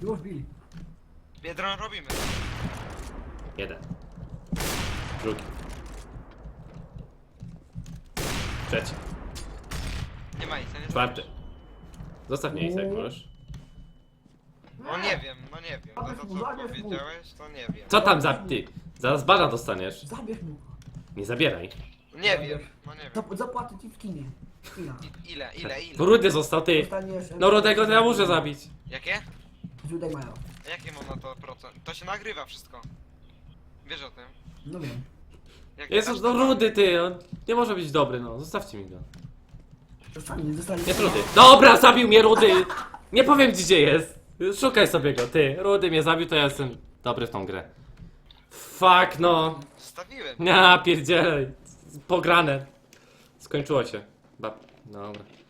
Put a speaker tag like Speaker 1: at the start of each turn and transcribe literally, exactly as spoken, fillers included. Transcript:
Speaker 1: Już bili.
Speaker 2: Biedron robimy.
Speaker 3: Jeden. Drugi. Trzeci.
Speaker 2: Nie ma nic, nie
Speaker 3: Czwarty. Zostaw mnie jak możesz.
Speaker 2: No nie wiem, no nie wiem. To, to co
Speaker 1: Zabierz mu.
Speaker 2: powiedziałeś, to nie wiem.
Speaker 3: Co tam za ty? Zaraz bana dostaniesz.
Speaker 1: Zabierz mu.
Speaker 3: Nie zabieraj.
Speaker 2: Nie wiem, no nie wiem.
Speaker 1: Zap- Zapłacę ci w kinie. W kinach.
Speaker 2: I, ile, ile, ile?
Speaker 3: Bo Rudy został, ty.
Speaker 1: Dostaniesz...
Speaker 3: No Rudego to ja muszę zabić.
Speaker 2: Jakie?
Speaker 1: Źródek mają.
Speaker 2: Jakie mam na to procent? To się nagrywa wszystko. Wiesz o tym?
Speaker 1: No wiem.
Speaker 2: Jak
Speaker 3: Jezus, no Rudy, ty. On nie może być dobry, no. Zostawcie mi go.
Speaker 1: Dostanie, dostanie.
Speaker 3: Jest Rudy. Dobra, zabił mnie Rudy. Nie powiem gdzie jest. Szukaj sobie go, ty. Rudy mnie zabił, to ja jestem dobry w tą grę. Fuck, no.
Speaker 2: Stawiłem.
Speaker 3: Ja pierdzielę. Pograne. Skończyło się. Ba- Dobra.